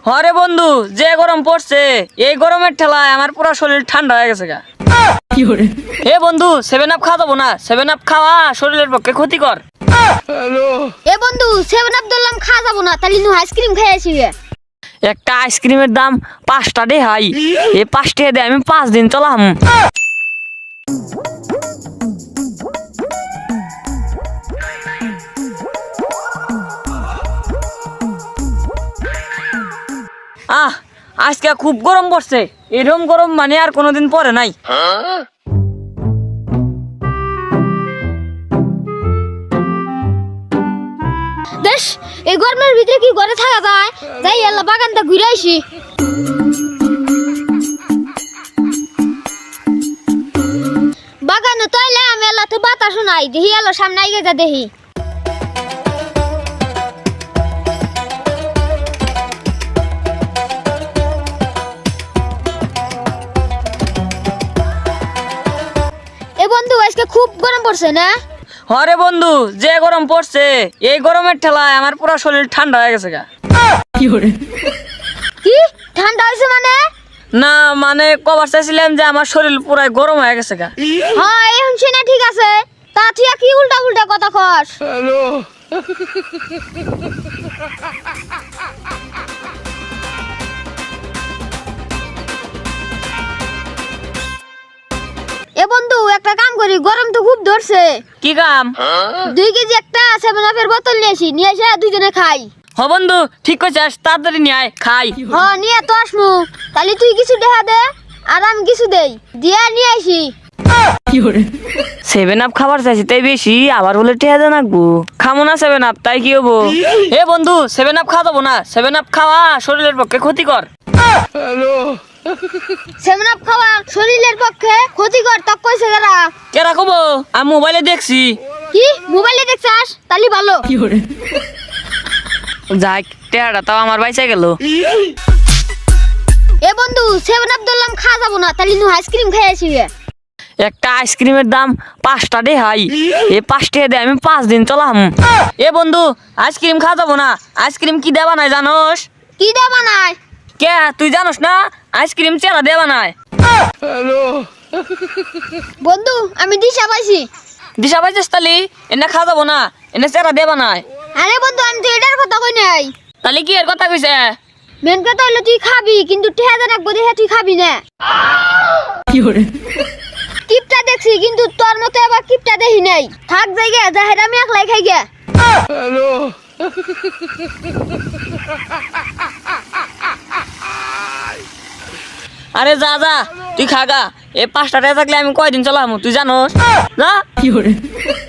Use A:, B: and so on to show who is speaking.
A: হরে বন্ধু, যে গরম পড়ছে এই গরমের ঠেলায় আমার পুরো শরীর ঠান্ডা হয়ে গেছে গা। হে বন্ধু, 7 আপ খাওয়া যাবো না? 7 আপ খাওয়া শরীরের পক্ষে ক্ষতিকর।
B: এ বন্ধু 7 আপ ধরলাম খাওয়া যাবো না, তাহলে নু আইসক্রিম খাইছি।
A: একটা আইসক্রিমের দাম 5 টাকা হাই। এই 5 টাকা দিয়ে আমি 5 দিন চলাম। আজকে খুব গরম পড়ছে, এরকম গরম মানে আর কোনোদিন পরে নাই।
B: দেশ এই গরমের ভিতরে কি ঘরে থাকা যায়? যাই আল্লাহ বাগানটা ঘুরে আইছি। বাগানে তো এলে আমি আল্লাহ তো বাতাস নাই, দেখি আল্লাহ সামনে আইগে যা দেখি। এ বন্ধু আজকে খুব গরম পড়ছে না?
A: হরে বন্ধু, যে গরম পড়ছে এই গরমের ঠেলায় আমার পুরো শরীর ঠান্ডা হয়ে গেছে গা।
B: কি ঠান্ডা হয়েছে মানে?
A: না মানে কবার চাইছিলাম যে আমার শরীর পুরাই গরম হয়ে গেছে গা।
B: হ্যাঁ এখন শুনে ঠিক আছে, তা তুই কি উল্টা উল্টা কথা কস? এ বন্ধু একটা কাম করি, গরম তো খুব ধরছে।
A: কি কাম?
B: 2 কেজি একটা 7 আপের বোতল নিয়ে এসে দুজনে খাই।
A: হ বন্ধু, ঠিক কইছিস, তাড়াতাড়ি নিয়ে আয় খাই।
B: হ্যাঁ নিয়ে তো আসমু, তাহলে তুই কিছু দেখা দে আর আমি কিছু দেই, দিয়া নিয়ে আইসি।
A: 7 আপ খাবার চাইছি তাই বেশি, আবার বলে টেহা দেন রাখবো। খামো না 7 আপ, তাই কি হবো? এ বন্ধু 7 আপ খাওয়া যাবো না? 7 আপ খাওয়া শরীরের পক্ষে ক্ষতিকর।
B: 7 আপ খাওয়া শরীরের পক্ষে ক্ষতিকর তা কইছে কারা?
A: কেরা কবো? আমি মোবাইলে দেখছি।
B: কি মোবাইলে দেখছাস? তালি ভালো।
A: যাই, টেহাটা তাও আমার বাইচা গেল।
B: এ বন্ধু 7 আপ ধরলাম খাওয়া যাবো না, তাহলে নু আইসক্রিম খাইছি।
A: একটা আইসক্রিমের দাম 5 টাকা হাই। এই 5 টাকা দিয়ে আমি 5 দিন চলাম। এ বন্ধু, আইসক্রিম খাওয়া যাবো না? আইসক্রিম কি দেবা নাই জানোস?
B: কি দেবা নাই?
A: কে তুই জানোস না? আইসক্রিম চেরা দেবা নাই।
B: বন্ধু আমি দিশা পাইছি।
A: দিশা পাইছিস তালি? এনে খাওয়া যাবো না, এনে চেরা দেবা নাই।
B: আরে বন্ধু আমি তো এটার কথা কই নাই।
A: তাহলে কি এর কথা কইছে?
B: মেন কথা হলো তুই খাবি, কিন্তু ঠেহা দেন রাখবো দেখে তুই খাবি না। কিপটা দেখছি, কিন্তু তোর মতো আবার কিপটা দেখি নাই। থাক জায়গা জাহের আমি একলাই খাই গে।
A: আরে যা যা, তুই খাগা। এই 5 টাকা থাকলে আমি কয়দিন চলাম তুই জানোস? যা।